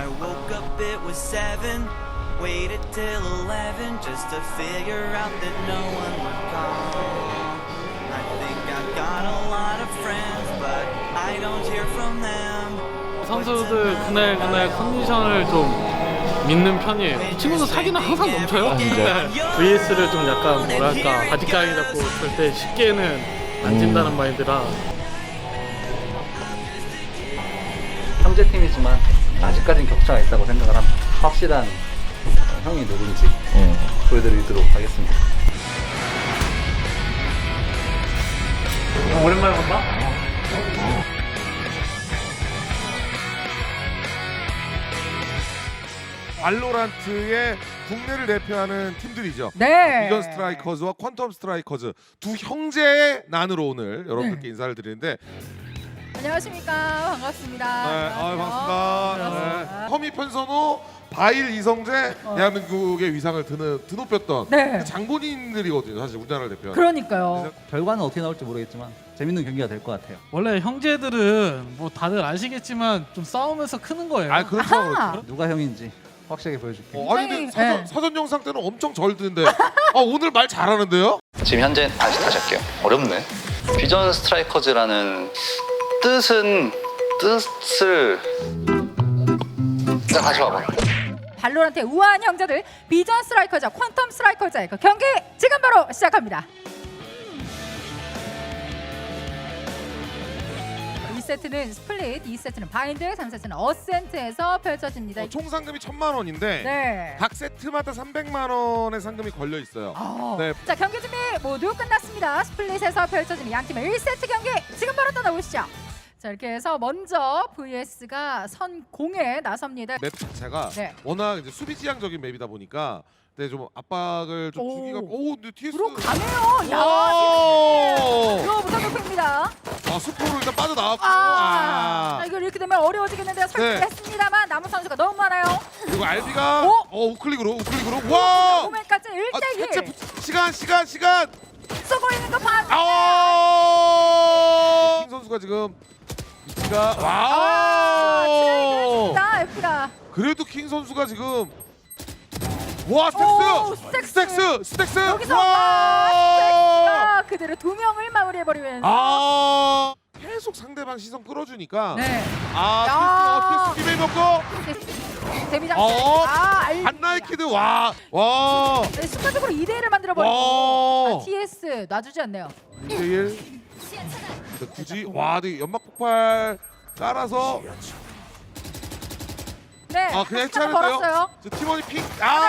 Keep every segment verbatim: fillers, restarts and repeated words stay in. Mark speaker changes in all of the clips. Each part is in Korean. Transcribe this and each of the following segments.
Speaker 1: I woke up, it was seven. Waited till eleven just to figure out that no one would call. I think I've got a lot of friends, but I don't hear from them.
Speaker 2: 선수들 그날 그날 컨디션을 좀 믿는 편이에요. 이 친구도 사기는 항상 넘쳐요.
Speaker 3: 아, 진짜요?
Speaker 2: 네. 브이에스를 좀 약간 뭐랄까 바지가랑이 잡고 절대 쉽게는 안 진다는
Speaker 3: 음.
Speaker 2: 마인드라.
Speaker 4: 형제팀이지만 아직까지는 격차가 있다고 생각을 합니다. 확실한 형이 누군지
Speaker 3: 음.
Speaker 4: 보여드리도록 하겠습니다.
Speaker 2: 형 오랜만에 본다?
Speaker 5: 발로란트의 국내를 대표하는 팀들이죠.
Speaker 6: 네.
Speaker 5: 비전 스트라이커즈와 퀀텀 스트라이커즈 두 형제의 난으로 오늘 여러분들께
Speaker 6: 네.
Speaker 5: 인사를 드리는데
Speaker 6: 안녕하십니까. 반갑습니다.
Speaker 5: 네, 아, 반갑습니다.
Speaker 6: 반갑습니다.
Speaker 5: 네. 허미 편선호, 바일 이성재,
Speaker 6: 어.
Speaker 5: 대한민국의 위상을 드는, 드높였던
Speaker 6: 네.
Speaker 5: 그 장본인들이거든요. 사실 우리나라를 대표하는.
Speaker 6: 그러니까요.
Speaker 4: 결과는 어떻게 나올지 모르겠지만 재밌는 경기가 될 것 같아요.
Speaker 2: 원래 형제들은 뭐 다들 아시겠지만 좀 싸우면서 크는 거예요.
Speaker 5: 아 그렇죠.
Speaker 6: 아하.
Speaker 5: 그렇죠.
Speaker 4: 누가 형인지 확실하게 보여줄게요.
Speaker 5: 어, 아니 근데
Speaker 6: 굉장히,
Speaker 5: 사전,
Speaker 6: 네.
Speaker 5: 사전 영상 때는 엄청 절드는데 아, 오늘 말 잘하는데요?
Speaker 7: 지금 현재 다시 다시 할게요. 어렵네. 비전 스트라이커즈라는 뜻은 뜻을 자 다시 봐봐.
Speaker 6: 발로란트의 우아한 형제들 비전 스트라이커즈와 퀀텀 스트라이커즈의 그 경기 지금 바로 시작합니다. 이 세트는 스플릿, 이 세트는 바인드, 삼 세트는 어센트에서 펼쳐집니다.
Speaker 5: 어, 총 상금이 천만 원인데
Speaker 6: 네.
Speaker 5: 각 세트마다 삼백만 원의 상금이 걸려 있어요.
Speaker 6: 아.
Speaker 5: 네.
Speaker 6: 자, 경기 준비 모두 끝났습니다. 스플릿에서 펼쳐지는 양 팀의 일 세트 경기 지금 바로 떠나보시죠. 자, 이렇게 해서 먼저 브이에스가 선공에 나섭니다.
Speaker 5: 맵 자체가
Speaker 6: 네.
Speaker 5: 워낙 이제 수비 지향적인 맵이다 보니까 근데 좀 압박을 좀
Speaker 6: 오.
Speaker 5: 주기가 오 근데 티에스
Speaker 6: 들어가네요. 야,
Speaker 5: 오!
Speaker 6: 이거 무상급입니다.
Speaker 5: 아 수포로 일단 빠져나왔고
Speaker 6: 아,
Speaker 5: 아.
Speaker 6: 아, 이거 이렇게 되면 어려워지겠는데요. 설득했습니다만 남은 선수가 너무 많아요.
Speaker 5: 그리고 알비가
Speaker 6: 오!
Speaker 5: 어 우클릭으로 우클릭으로 와!
Speaker 6: 오맨까지
Speaker 5: 아,
Speaker 6: 일 대
Speaker 5: 대체
Speaker 6: 일
Speaker 5: 부- 시간 시간 시간
Speaker 6: 쏘고 있는 거 봐.
Speaker 5: 아! 킹 선수가 지금 위치가
Speaker 6: 아,
Speaker 5: 와!
Speaker 6: 나 에프가.
Speaker 5: 그래도 킹 선수가 지금 와
Speaker 6: 오,
Speaker 5: 스택스!
Speaker 6: 스택스!
Speaker 5: 스택스! 스택스!
Speaker 6: 여기서
Speaker 5: 와!
Speaker 6: 와, 그대로 두 명을 마무리해버리면.
Speaker 5: 아 계속 상대방 시선 끌어주니까
Speaker 6: 네.
Speaker 5: 아 티에스 어떻게 먹고
Speaker 6: 데뷔장.
Speaker 5: 어?
Speaker 6: 아, 알비.
Speaker 5: 한나이키드 와와
Speaker 6: 네, 순간적으로 이 대 일을 만들어버리고.
Speaker 5: 와
Speaker 6: 아, 티에스 놔주지 않네요.
Speaker 5: 일 대 일 굳이 와 근데 연막 폭발 깔아서
Speaker 6: 네.
Speaker 5: 아 그냥
Speaker 6: 하나
Speaker 5: 해체하는데요
Speaker 6: 벌었어요.
Speaker 5: 저 팀원이 핑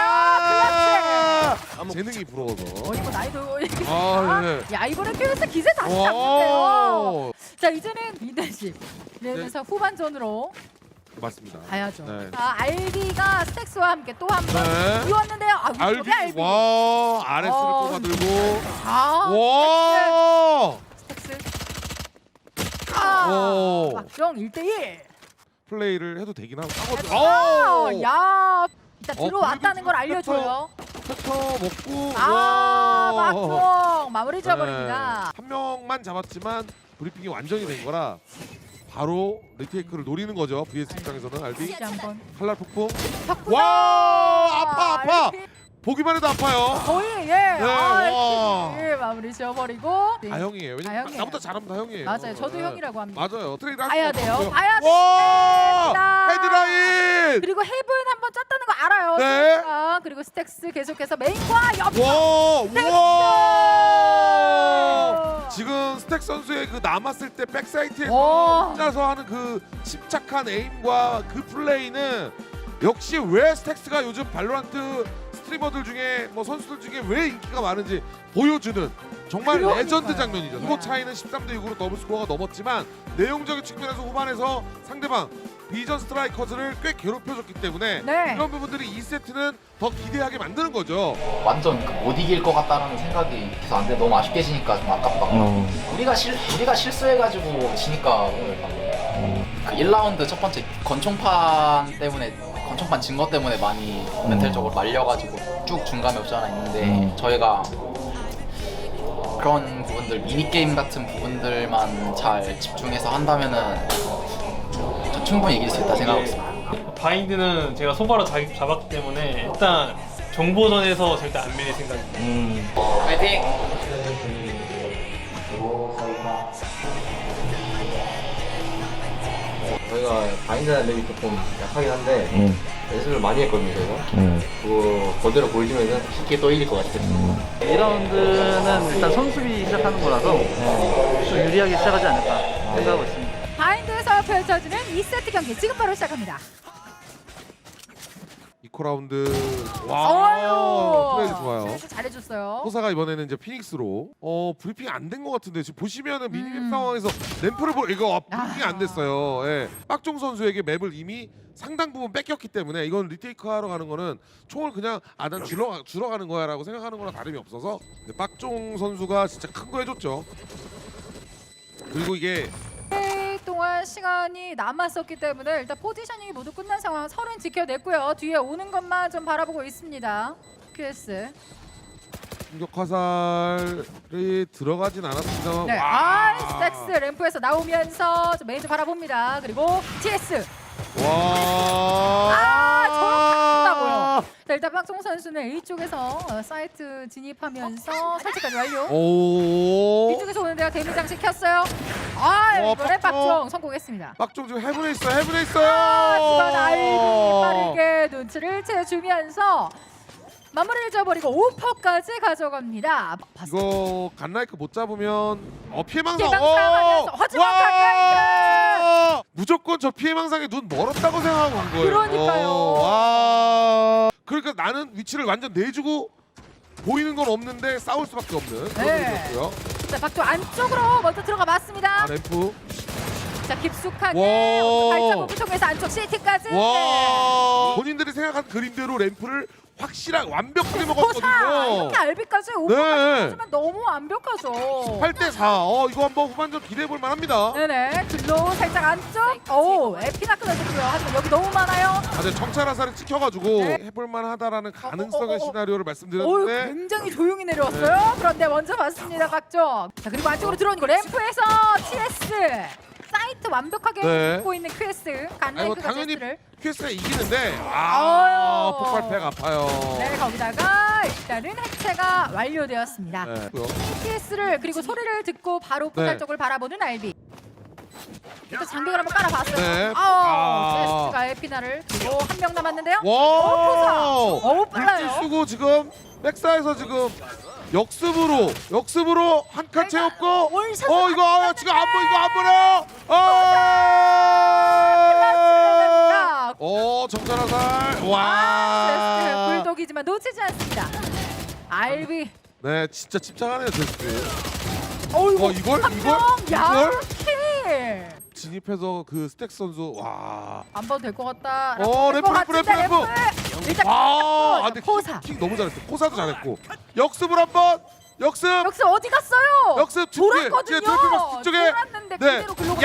Speaker 6: 아,
Speaker 5: 아 재능이 부러워서
Speaker 6: 어이 뭐 나이도.
Speaker 5: 아, 네.
Speaker 6: 야, 이번에 큐에스 기세 다시
Speaker 5: 와.
Speaker 6: 잡는데요. 자, 이제는 리더십. 이러면서 후반전으로
Speaker 5: 맞습니다
Speaker 6: 가야죠.
Speaker 5: 네.
Speaker 6: 자, 알비가 스택스와 함께 또 한 번
Speaker 5: 네.
Speaker 6: 이었는데요. 아, 위쪽에
Speaker 5: 알비
Speaker 6: 알비.
Speaker 5: 와 아레스를
Speaker 6: 어.
Speaker 5: 뽑아들고
Speaker 6: 아,
Speaker 5: 와
Speaker 6: 스택스. 아,
Speaker 5: 오.
Speaker 6: 박정 일 대 일.
Speaker 5: 플레이를 해도 되긴 하고
Speaker 6: 아,
Speaker 5: 오!
Speaker 6: 야, 일단
Speaker 5: 어,
Speaker 6: 들어왔다는 걸
Speaker 5: 그래도
Speaker 6: 알려줘요.
Speaker 5: 패터 먹고
Speaker 6: 아,
Speaker 5: 와.
Speaker 6: 박정 마무리 지어버립니다.
Speaker 5: 네. 한 명만 잡았지만 브리핑이 완전히 된 거라 바로 리테이크를 노리는 거죠. 브이에스 입장에서는 알비
Speaker 6: 다시 한번.
Speaker 5: 칼날 폭풍
Speaker 6: 덕분에
Speaker 5: 와 아파 아파
Speaker 6: 알비
Speaker 5: 보기만 해도 아파요.
Speaker 6: 거의 예.
Speaker 5: 네,
Speaker 6: 아,
Speaker 5: 와.
Speaker 6: 예, 마무리 지어버리고.
Speaker 5: 다 형이에요. 왜냐면
Speaker 6: 다 형이에요.
Speaker 5: 나보다 잘하면 다 형이에요.
Speaker 6: 맞아요. 저도
Speaker 5: 네.
Speaker 6: 형이라고 합니다.
Speaker 5: 맞아요. 트레이드
Speaker 6: 봐야 돼요. 봐야
Speaker 5: 와
Speaker 6: 됩니다.
Speaker 5: 헤드라인.
Speaker 6: 그리고 헤븐 한번 짰다는 거 알아요.
Speaker 5: 네.
Speaker 6: 스택스가. 그리고 스택스 계속해서 메인과 옆.
Speaker 5: 와 우와. 지금 스택 선수의 그 남았을 때 백사이트에서
Speaker 6: 와.
Speaker 5: 혼자서 하는 그 침착한 에임과 그 플레이는 역시 왜 스택스가 요즘 발로란트 스트리머들 중에 뭐 선수들 중에 왜 인기가 많은지 보여주는 정말
Speaker 6: 그러니까요.
Speaker 5: 레전드 장면이죠.
Speaker 6: 예.
Speaker 5: 스코어 차이는 십삼 대 육으로 더블 스코어가 넘었지만 내용적인 측면에서 후반에서 상대방 비전 스트라이커즈를 꽤 괴롭혀줬기 때문에
Speaker 6: 네.
Speaker 5: 이런 부분들이 이 세트는 더 기대하게 만드는 거죠.
Speaker 8: 완전 그못 이길 것 같다는 생각이 계속 안 돼. 너무 아쉽게 지니까 좀 아깝다.
Speaker 3: 어.
Speaker 8: 우리가 실 우리가 실수해가지고 지니까 오늘 그 일 라운드 첫 번째 권총판 때문에 권총판 진 것 때문에 많이 멘탈적으로 말려가지고 쭉 중감이 없지 않아 있는데
Speaker 3: 음.
Speaker 8: 저희가 그런 부분들 미니 게임 같은 부분들만 잘 집중해서 한다면은 저 충분히 이길 수 있다 생각하고 있습니다.
Speaker 2: 바인드는 제가 소바로 자, 잡았기 때문에 일단 정보전에서 절대 안 밀릴 생각입니다.
Speaker 8: 파이팅!
Speaker 3: 저희가 바인드라는 맵이 조금 약하긴 한데 연습을 많이 했거든요 저희가. 그거 그대로 보여주면 쉽게 또 이길 것 같아요.
Speaker 4: 이 라운드는 일단 선수비 시작하는 거라서 좀 유리하게 시작하지 않을까 생각하고 있습니다.
Speaker 6: 바인드에서 펼쳐지는 이 세트 경기 지금 바로 시작합니다.
Speaker 5: 이코 라운드 와 플레이 좋아요.
Speaker 6: 스트레스 잘해줬어요.
Speaker 5: 호사가 이번에는 이제 피닉스로 어 브리핑 안 된 것 같은데 지금 보시면은 미니맵
Speaker 6: 음.
Speaker 5: 상황에서 램프를 보 이거 브리핑이
Speaker 6: 아.
Speaker 5: 안 됐어요. 예. 빡종 선수에게 맵을 이미 상당 부분 뺏겼기 때문에 이건 리테이크 하러 가는 거는 총을 그냥 아난 줄어 줄어 가는 거야라고 생각하는 거랑 다름이 없어서 근데 빡종 선수가 진짜 큰 거 해줬죠. 그리고 이게
Speaker 6: 플레이 동안 시간이 남았었기 때문에 일단 포지셔닝이 모두 끝난 상황 서른 지켜냈고요. 뒤에 오는 것만 좀 바라보고 있습니다. 큐에스.
Speaker 5: 공격 화살이 들어가진 않았습니다만
Speaker 6: 네.
Speaker 5: 와.
Speaker 6: 아, 스택스 램프에서 나오면서 좀 메이저 바라봅니다. 그리고 티에스.
Speaker 5: 와.
Speaker 6: 아, 저렇게 한다고요. 자, 일단 박종 선수는 A쪽에서 어, 사이트 진입하면서 설치까지 완료.
Speaker 5: 오.
Speaker 6: B쪽에서 오는데요. 데미 장식 켰어요. 아,
Speaker 5: 어,
Speaker 6: 이번에
Speaker 5: 박종.
Speaker 6: 박종 성공했습니다.
Speaker 5: 빡종 지금 해븐에 있어 해븐에 있어요.
Speaker 6: 하지만 아이비 빠르게 눈치를 채주면서 마무리를 지어버리고 오퍼까지 가져갑니다.
Speaker 5: 이거 간라이크 못 잡으면 어 피해망상.
Speaker 6: 피해망상하면서 하지만 간라이크!
Speaker 5: 무조건 저 피해망상에 눈 멀었다고 생각하고 온 거예요.
Speaker 6: 그러니까요.
Speaker 5: 어, 와. 그러니까 나는 위치를 완전 내주고 보이는 건 없는데 싸울 수밖에 없는 그런
Speaker 6: 네.
Speaker 5: 일이었고요.
Speaker 6: 자, 박종 안쪽으로 먼저 들어가 봤습니다.
Speaker 5: 아 램프.
Speaker 6: 자, 깊숙하게
Speaker 5: 와.
Speaker 6: 발자국을 통해서 안쪽 시티까지.
Speaker 5: 와. 본인들이 생각한 그림대로 램프를 확실하게 완벽하게
Speaker 6: 포사
Speaker 5: 먹었거든요.
Speaker 6: 이렇게 알비까지 오퍼까지
Speaker 5: 네.
Speaker 6: 해주면 너무 완벽하죠.
Speaker 5: 팔 대 사. 어 이거 한번 후반전 기대해 볼 만합니다.
Speaker 6: 네네. 글로 살짝 안쪽. 오, 에피나 끊어졌고요. 하지만 여기 너무 많아요.
Speaker 5: 아, 근데 정찰 화살을 찍혀가지고
Speaker 6: 네.
Speaker 5: 해볼 만하다라는 가능성의
Speaker 6: 어, 어, 어, 어.
Speaker 5: 시나리오를
Speaker 6: 오,
Speaker 5: 말씀드렸는데
Speaker 6: 굉장히 조용히 내려왔어요. 그런데 먼저 봤습니다, 박종. 자, 그리고 안쪽으로 들어오는 거 램프에서 티에스. 사이트 완벽하게
Speaker 5: 네.
Speaker 6: 입고 있는 퀘스.
Speaker 5: 아니 뭐
Speaker 6: 간라이크가
Speaker 5: 당연히
Speaker 6: 제스트를.
Speaker 5: 퀘스트가 이기는데 아
Speaker 6: 아유.
Speaker 5: 폭발팩 아파요.
Speaker 6: 네, 거기다가 일단은 해체가 완료되었습니다.
Speaker 5: 네. 뭐요?
Speaker 6: 티에스를 그리고 소리를 듣고 바로 포탈
Speaker 5: 네.
Speaker 6: 쪽을 바라보는 알비. 일단 장벽을 한번 깔아봤어요.
Speaker 5: 네.
Speaker 6: 아,
Speaker 5: 아.
Speaker 6: 제스트가 에피나를 그리고 한 명 남았는데요.
Speaker 5: 와.
Speaker 6: 어우, 빨라요.
Speaker 5: 물질 쓰고 지금 백사에서 지금 역습으로 역습으로 한 칸 채웠고
Speaker 6: 월샷을
Speaker 5: 어 이거 아, 지금 안 보여 이거 안 보여. 아. 어 정찰 화살.
Speaker 6: 제스트
Speaker 5: 와.
Speaker 6: 불독이지만 놓치지 않습니다. 알비.
Speaker 5: 네 진짜 집착하네요 제스트.
Speaker 6: 어이구,
Speaker 5: 어, 이걸?
Speaker 6: 한
Speaker 5: 이걸?
Speaker 6: 명. 야,
Speaker 5: 이걸?
Speaker 6: 킬.
Speaker 5: 진입해서 그 스택 선수 와.
Speaker 6: 안 봐도 될 것 같다.
Speaker 5: 어, 램프, 램프, 램프, 램프.
Speaker 6: 일단
Speaker 5: 아, 아 근데
Speaker 6: 포사.
Speaker 5: 킥, 킥 너무 잘했어. 포사도 잘했고. 역습을 한번. 역습.
Speaker 6: 역습 어디 갔어요?
Speaker 5: 역습 뒤쪽에,
Speaker 6: 돌았거든요.
Speaker 5: 뒤에 뒤쪽에, 뒤쪽에.
Speaker 6: 돌았는데
Speaker 5: 네.
Speaker 6: 그대로 글로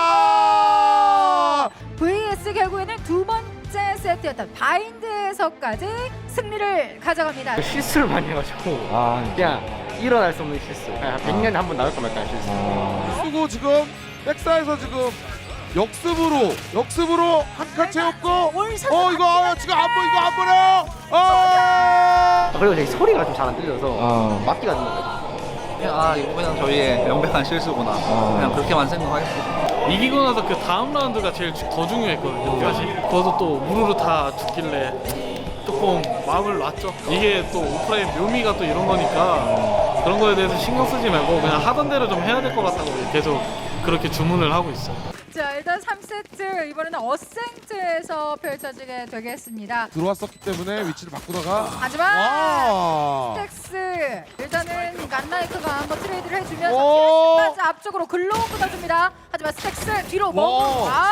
Speaker 5: 야!
Speaker 6: 브이에스 결국에는 두 번째 세트였던 바인드에서까지 승리를 가져갑니다.
Speaker 3: 실수를 많이 해가지고
Speaker 4: 아,
Speaker 3: 그냥 일어날 수 없는 실수. 그냥 백 년에 한 번 나올까 말까 실수.
Speaker 5: 쓰고 지금 백사에서 지금 역습으로 역습으로 한 칸 채웠고.
Speaker 6: 월샷
Speaker 5: 어 이거 아, 지금 안 보여 이거 안 보여. 아!
Speaker 3: 그리고 저기 소리가 좀 잘 안 들려서 맞기가 안 나요.
Speaker 7: 그냥 아 이거 그냥 저희의 명백한 실수구나. 그냥 그렇게만 생각하겠습니다.
Speaker 2: 이기고 나서 그 다음 라운드가 제일 주- 더 중요했거든요. 사실 거기서 또 우르르 다 죽길래 조금 마음을 놨죠. 이게 또 오프라인 묘미가 또 이런 거니까 그런 거에 대해서 신경 쓰지 말고 그냥 하던 대로 좀 해야 될 것 같다고 계속 그렇게 주문을 하고 있어요.
Speaker 6: 자, 일단 삼 세트 이번에는 어센트에서 펼쳐지게 되겠습니다.
Speaker 5: 들어왔었기 때문에 위치를 바꾸다가
Speaker 6: 하지만
Speaker 5: 와.
Speaker 6: 스택스 일단은 간라이크가 한번 트레이드를 해주면서
Speaker 5: 오.
Speaker 6: 티에스까지 앞쪽으로 글로 붙어줍니다. 하지만 스택스 뒤로
Speaker 5: 와.
Speaker 6: 머무. 아,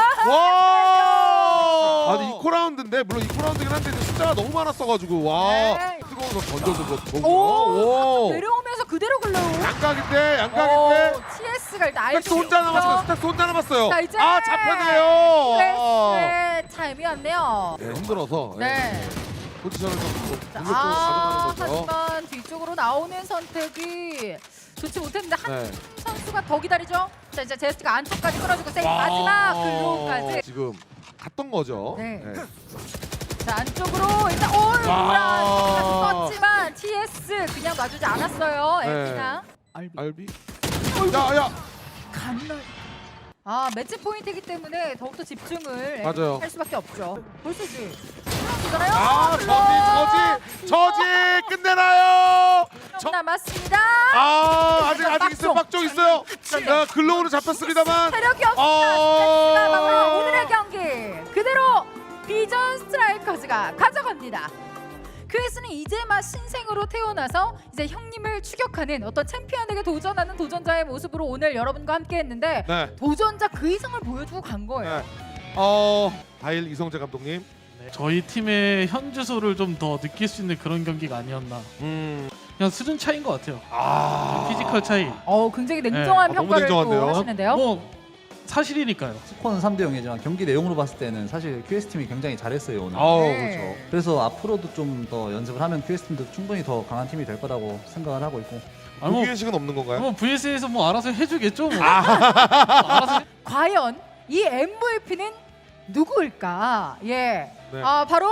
Speaker 5: 와. 아니 이코 라운드인데 물론 이코 라운드긴 한데 이제 숫자가 너무 많았어가지고 와.
Speaker 6: 네.
Speaker 5: 뜨거운 거 던져서 뭐
Speaker 6: 오,
Speaker 5: 오.
Speaker 6: 내려오면서 그대로 글로.
Speaker 5: 양각인데 양각인데.
Speaker 6: 티에스가 일단 알고
Speaker 5: 스택스 혼자 남았어요. 스택스 혼자 남았어요.
Speaker 6: 자, 이제
Speaker 5: 아 잡혔네요.
Speaker 6: 스택스의 타임이었네요.
Speaker 5: 네, 힘들어서
Speaker 6: 네.
Speaker 5: 포지션을 좀
Speaker 6: 자,
Speaker 5: 공격적으로
Speaker 6: 아,
Speaker 5: 가져가는 거죠.
Speaker 6: 하지만 뒤쪽으로 나오는 선택이 좋지 못했는데 한
Speaker 5: 네.
Speaker 6: 선수가 더 기다리죠. 자, 이제 제스트가 안쪽까지 끌어주고 세이브 마지막 글로우까지.
Speaker 5: 지금 갔던 거죠.
Speaker 6: 네.
Speaker 5: 네.
Speaker 6: 자 안쪽으로 일단 오
Speaker 5: 와.
Speaker 6: 썼지만 티에스 그냥 놔주지 않았어요.
Speaker 5: 네.
Speaker 6: 엘피나 알비
Speaker 5: 알비. 야야.
Speaker 6: 간날. 아 매치 포인트이기 때문에 더욱더 집중을
Speaker 5: 맞아요.
Speaker 6: 할 수밖에 없죠. 볼수지. 그러나요?
Speaker 5: 아 저지 저지 저지 끝내나요. 저,
Speaker 6: 남았습니다.
Speaker 5: 아 아직 아직 있어요.
Speaker 6: 빡종.
Speaker 5: 빡종 있어요. 자, 글로우로 잡혔습니다만.
Speaker 6: 체력이 없습니다.
Speaker 5: 어.
Speaker 6: 스트레스가 막으로 오늘의 경기 그대로 비전 스트라이커즈가 가져갑니다. 큐에스는 이제 막 신생으로 태어나서 이제 형님을 추격하는 어떤 챔피언에게 도전하는 도전자의 모습으로 오늘 여러분과 함께했는데
Speaker 5: 네.
Speaker 6: 도전자 그 이상을 보여주고 간 거예요.
Speaker 5: 네. 어 바일 이성재 감독님.
Speaker 2: 저희 팀의 현 주소를 좀 더 느낄 수 있는 그런 경기가 아니었나.
Speaker 5: 음.
Speaker 2: 그냥 수준 차이인 것 같아요.
Speaker 5: 아.
Speaker 2: 피지컬 차이.
Speaker 6: 어 굉장히 냉정한
Speaker 5: 네. 아, 너무
Speaker 6: 평가를 또
Speaker 5: 냉정한데요?
Speaker 6: 하시는데요.
Speaker 2: 뭐 사실이니까요.
Speaker 7: 스코어는 삼 대 영이지만 경기 내용으로 봤을 때는 사실 큐에스 팀이 굉장히 잘했어요 오늘.
Speaker 5: 아우
Speaker 6: 네.
Speaker 5: 그렇죠.
Speaker 7: 그래서 앞으로도 좀 더 연습을 하면 큐에스 팀도 충분히 더 강한 팀이 될 거라고 생각을 하고 있고.
Speaker 2: 아니 뭐,
Speaker 5: 고기의식은 없는 건가요?
Speaker 2: 뭐 브이에스에서 뭐 알아서 해주겠죠. 뭐. 알아서 해-
Speaker 6: 과연 이 엠브이피는 누구일까? 예,
Speaker 5: 네.
Speaker 6: 아 바로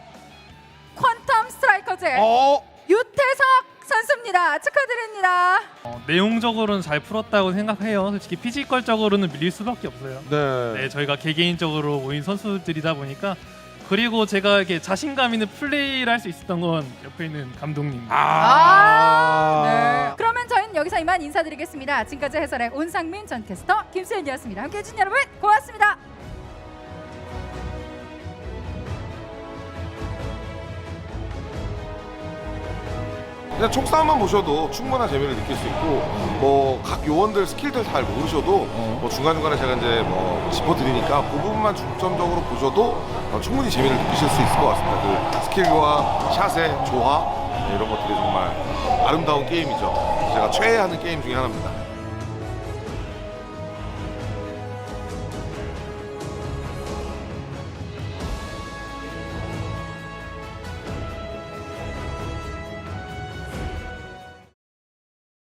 Speaker 6: 퀀텀 스트라이커즈의
Speaker 5: 어.
Speaker 6: 유태석 선수입니다. 축하드립니다.
Speaker 9: 어, 내용적으로는 잘 풀었다고 생각해요. 솔직히 피지컬적으로는 밀릴 수밖에 없어요.
Speaker 5: 네.
Speaker 9: 네, 저희가 개개인적으로 모인 선수들이다 보니까 그리고 제가 이렇게 자신감 있는 플레이를 할 수 있었던 건 옆에 있는 감독님.
Speaker 6: 아, 네. 그러면 저희는 여기서 이만 인사드리겠습니다. 지금까지 해설의 온상민 전 캐스터 김수현이었습니다. 함께해 주신 여러분 고맙습니다.
Speaker 10: 그냥 총싸움만 보셔도 충분한 재미를 느낄 수 있고 뭐 각 요원들 스킬들 잘 모르셔도 뭐 중간중간에 제가 이제 뭐 짚어드리니까 그 부분만 중점적으로 보셔도 어, 충분히 재미를 느끼실 수 있을 것 같습니다. 그 스킬과 샷의 조화 네, 이런 것들이 정말 아름다운 게임이죠. 제가 최애하는 게임 중에 하나입니다.